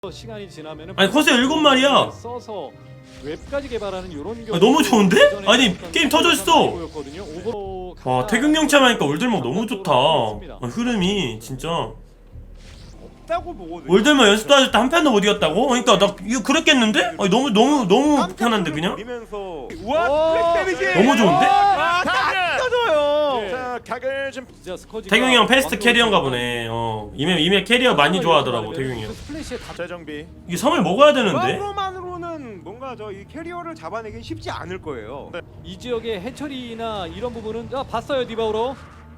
시간이 지나면은 아니 커세 7마리야. 써서 웹까지 개발하는 이런 경우 너무 좋은데? 아니 게임 터졌어. 와 태극영참 하니까 올들목 너무 좋다. 흐름이 진짜. 없다고 보거든요. 올들목 연습도 하실 때 한 편도 못 이겼다고? 그러니까 나 이거 그랬겠는데? 아니 너무 편한데 그냥? 우와 플렉 데미지 너무 좋은데? 딱 터져요. 자 각을 좀 태경이 형 패스트 캐리어인가 보네. 이메 캐리어 많이 좋아하더라고 태경이 형. 재정비. 이게 섬을 먹어야 되는데? 조합으로만으로는 뭔가 저 이 캐리어를 잡아내긴 쉽지 않을 거예요. 네. 이 지역의 해처리나 이런 부분은 봤어요 디바우로.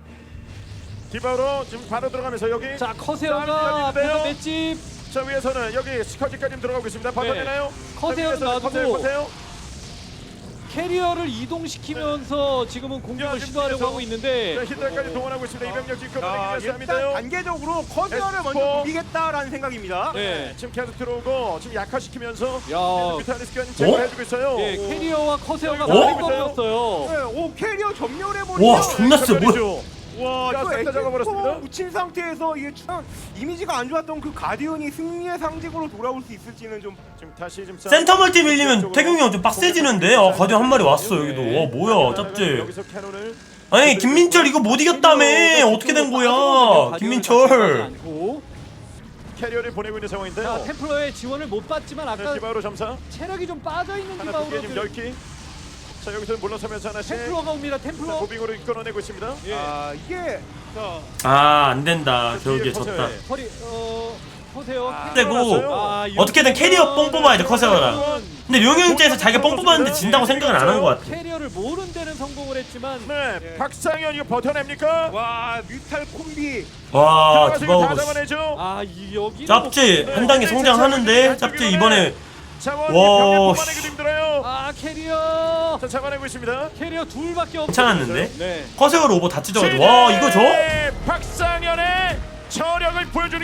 디바로 지금 바로 들어가면서 여기. 자 커세어가 앞에서 맷집. 자 위에서는 여기 스커지까지 들어가고 있습니다. 버텨내나요? 커세어는 놔두고 커세요. 캐리어를 이동시키면서 지금은 공격을 시도하려고 하고 있는데 히드라까지 동원하고 있습니다. 이병력 지금 자, 끌어내기 일단 위해서입니다. 단계적으로 커세어를 에스포. 먼저 노리겠다라는 생각입니다. 네. 지금 계속 들어오고 지금 약화시키면서 야, 뮤탈리스크가 제거해주고 있어요. 예, 캐리어와 커세어가 어? 많이 떨어졌어요. 네, 오 캐리어 점멸해버리면 와 존나 세 뭐야? 와 자, 이거 싹다 잡아버렸습니다. 에스포 묻힌 상태에서 이게 참 이미지가 안 좋았던 그 가디언이 승리의 상징으로 돌아올 수 있을지는 좀 지금 다시 좀 센터 멀티 밀리면 태경이 형 좀 빡세지는데? 가디언 한 마리 왔어 여기도. 뭐야 짭지. 여기서 캐논을 아니 김민철 이거 못 이겼다며. 어떻게 된 거야 김민철. 캐리어를 보내고 있는 상황인데요. 자 템플러의 지원을 못 받지만 아까 디바로 점사 체력이 좀 빠져 있는 하나 두개 지금 디바우로 10기. 자 여기서 물러서면서 하나씩 템플러가 옵니다. 템플러. 무빙으로 이끌어내고 있습니다. 예. 이게 안된다 결국에 뒤에 졌다. 허리 커세어. 되고 이거 어떻게든 캐리어 뽕 뽑아야지 커세어라. 근데 룡형 입장에서 자기가 뽕 뽑았는데 진다고 생각은 안 한 것 같아. 캐리어를 모른 데는 성공을 했지만 네, 박상현 이거 버텨냅니까? 와 뮤탈 콤비 와 들어가서 이거 다 디바우고 잡아내죠. 여기 짭지 한 단계 성장하는데 짭지 이번에 자원 와, 병력 씨. 뽑아내기도 힘들어요. 캐리어 자 잡아내고 있습니다. 캐리어 둘밖에 없어. 괜찮았는데? 네. 커세어로 오버 다 찢어가지고 와 이거 줘? 박상현의 저력을 보여주는